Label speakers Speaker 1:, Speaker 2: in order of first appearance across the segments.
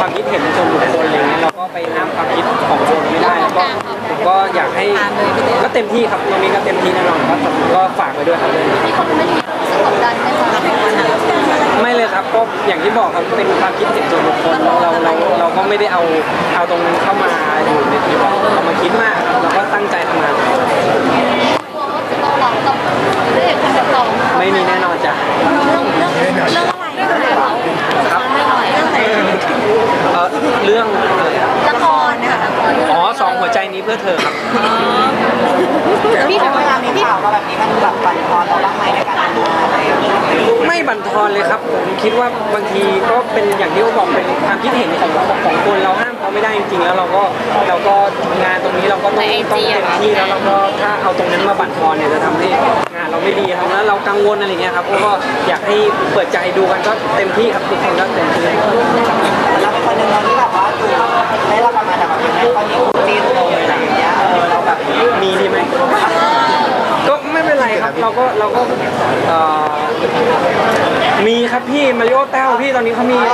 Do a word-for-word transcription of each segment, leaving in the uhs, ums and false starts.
Speaker 1: ความคิดเห็นส่วนบุคคลอะไรเงี้ยเราก็ไปห้ามความคิดของคนไม่ได้แล้วก็ผมก็อยากให้ก็เต็มที่ครับตรงนี้ก็เต็มที่แน่นอนครับก็ฝากไปด้วยครับเลย
Speaker 2: มีคนไม่รู้สึกกดดันไหมคะ
Speaker 1: ไม่เลยครับก็อย่างที่บอกครับเป็นความคิดเห็นส่วนบุคคลเราเราเราก็ไม่ได้เอาเอาตรงนั้นเข้ามาอยู่ในทีเราเรามาคิดมากเราก็ตั้งใจทำงานไม่มีแน่นอนจ้ะ
Speaker 2: เรื่องเรื่องเรื่องอะไรเรื่องอะไร
Speaker 1: ครับเรื่องอะไรเออเรื่อง
Speaker 2: ละครนะคะ
Speaker 1: อ๋อสองหัวใจนี้เพื่อเธอครับ
Speaker 2: พี่เวลามีข่าวมาแบบนี้มันแบบบั่นทอนเราบ้างไหมในการทำงานอะไร
Speaker 1: ไม่บั่นทอนเลยครับผมคิดว่าบางทีก็เป็นอย่างที่เขาบอกเป็นความคิดเห็นของของคนเราห้ามเขาไม่ได้จริงๆแล้วเราก็เราก็งานตรงนี้เราก็ต้องต้องเต็มที่แล้วเราก็ถ้าเอาตรงนั้นมาบั่นทอนเนี่ยจะทำให้งานเราไม่ดีครับแล้วเรากังวลอะไรเงี้ยครับก็อยากให้เปิดใจดูกันก็เต็มที่ครับทุกคนก็เต็มที่
Speaker 2: เราเป็นคนหนึ่งเราที่แบบว่าดูได้รับประมาณแบบตอนนี้จีนเลยอะไรอย่างเงี้ยเออเราแบบ
Speaker 1: มีดีไหมก็ไม่เป็นไรครับเราก็เราก็มีครับพี่มาริโอแต้วพี่ตอนนี้เขามีมี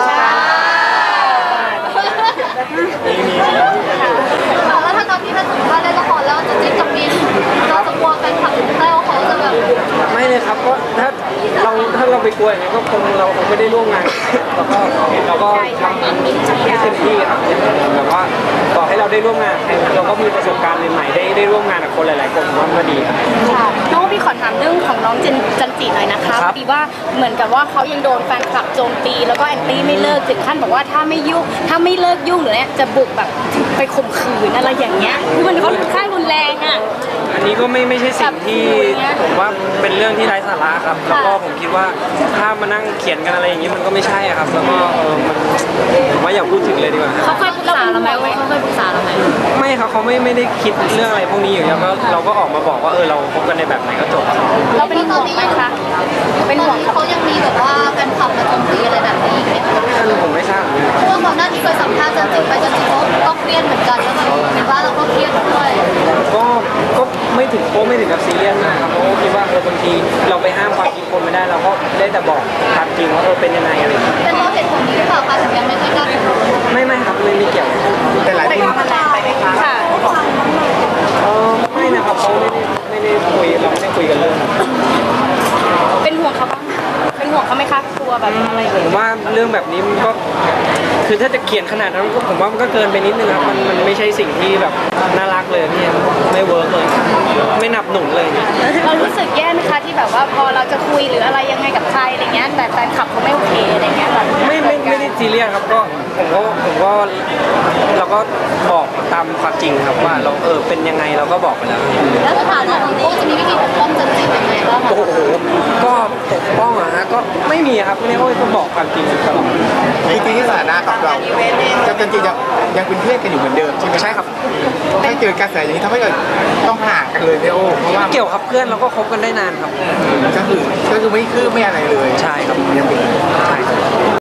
Speaker 1: มี
Speaker 2: แล้วถ้าตอนที่ถ้าสมมติว่าเล่นละครแล้วจะจิ้นกับมินเราจะกลัวแฟนคลับแต้วเขาจะแบบ
Speaker 1: ไม่เลยครับก็ถ้าเราถ้าเราไปกลัวอย่างนี้ก็คงเราคงไม่ได้ร่วมงานเราก็เราก็ทำให้เต็มที่ครับแบบว่าต่อให้เราได้ร่วมงานเราก็มีประสบการณ์ใหม่ๆได้ได้ร่วมงานกับคนหลายๆคนว่ามันดีครับ
Speaker 3: น้องพี่ขอถามเรื่องของน้องจันจันจีหน่อยนะคะพอดีว่าเหมือนกับว่าเขายังโดนแฟนคลับโจมตีแล้วก็แอนตี้ไม่เลิกถึงขั้นบอกว่าถ้าไม่ยุ่งถ้าไม่เลิกยุ่งหรือเนี่ยจะบุกแบบไปข่มขืนอะไรอย่างเงี้ยคือมันเขาค่ายรุนแรงอ่ะ
Speaker 1: อันนี้ก็ไม่ไม่ใช่สิ่งที่ผมว่าเป็นเรื่องที่ไร้สาระครับแล้วก็ผมคิดว่าถ้ามานั่งเขียนกันอะไรอย่างนี้มันก็ไม่ใช่ครับแล้วก็เออมันผมว่าอย่าพูดถึงเลยดีกว่า
Speaker 3: เขาเคยปรึกษาเราไหมเขาเคยปรึกษาเราไหม
Speaker 1: ไม่ครับเขาไม่ไม่ได้คิดเรื่องอะไรพวกนี้อยู่แล้วก็เราก็ออกมาบอกว่าเออเราคบกันในแบบไหนก็จบ
Speaker 3: เราเป็นห่วงไหมคะ
Speaker 2: เป็นห่วงเขายังมีแบบว่าแฟนคลับมาโจมตีอะไรแบบนี้อีกไหม
Speaker 1: ท่านผมไม่ทราบ
Speaker 2: เพราะว่าก่อนหน้านี้เคยสัมภาษณ์จันจิไปจันจิเขาก็เครียดเหมือนกันแล้วมันเห็นว่าเราก็เครียดด้วย
Speaker 1: ก็ก็ไม่ถึงโป๊ไม่ถึงกับซีเรียสนะครับเพราะคิดว่าเออบางทีเราไปห้ามความคิดคนไม่ได้เราก็ได้แต่บอกความจริงว่าเออเป็นยังไงอะไร
Speaker 2: เป็นเพราะเหตุผลนี้หรือเปล่าคะถึงยังไม่ค่อยกล้า
Speaker 1: ไม่ไม่ครับไม่มีเกี่ยว
Speaker 2: แต่หลายคนมันแรงไปไหมคะ
Speaker 3: ค่ะ
Speaker 1: เออไม่นะครับเขาไม่ได้ไม่ได้คุยเราไม่ได้คุยกันเรื่อง
Speaker 3: เป็นห่วงเขาบ้างเป็นห่วงเขาไหมคะกลัวแบบอะไร
Speaker 1: ผมว่าเรื่องแบบนี้มันก็คือถ้าจะเขียนขนาดนั้นผมว่ามันก็เกินไปนิดนึงครับมันมันไม่ใช่สิ่งที่แบบน่ารักเลยพี่ไม่เวิร์กเลยไม่หนับหนุนเลย
Speaker 3: เรารู้สึกแย่ไหมคะที่แบบว่าพอเราจะคุยหรืออะไรยังไงกับใครอะไรเงี้ยแต่แฟนคลับเขาไม่โอเคอะไรเงี้ยแบบ
Speaker 1: ไม่ไม่ไม่ได้ซีเรียสครับก็ผมก็ผมก็เราก็บอกตามความจริงครับว่าเราเออเป็นยังไงเราก็บอกไปแล้ว
Speaker 2: แล้วสถานะของโอ้จะมีวิธีปกป้องจันจิยังไงบ้างคะ
Speaker 1: โอ้โหก็ปกป้องอะฮะก็ไม่มีครับไม่ได้โอ้ยก็บอกความจริงตลอด
Speaker 4: จริงๆที่สถานะกับเราจะจริงๆยังยังเป็นเพื่อนกันอยู่เหมือนเดิมใช่ไหม
Speaker 1: ใช่ครับ
Speaker 4: ถ้าเจอกระแสอย่างนี้ทำให้เกิดต้องห่างกันเลยเนี่ยโอ้เพราะว่า
Speaker 1: เกี่ยวกับเพื่อนเราก็คบกันได้นานครับ
Speaker 4: ก็คือก็คือไม่คืบไม่อะไรเลย
Speaker 1: ใช่ครับ
Speaker 4: ยังเป็น
Speaker 1: ใช่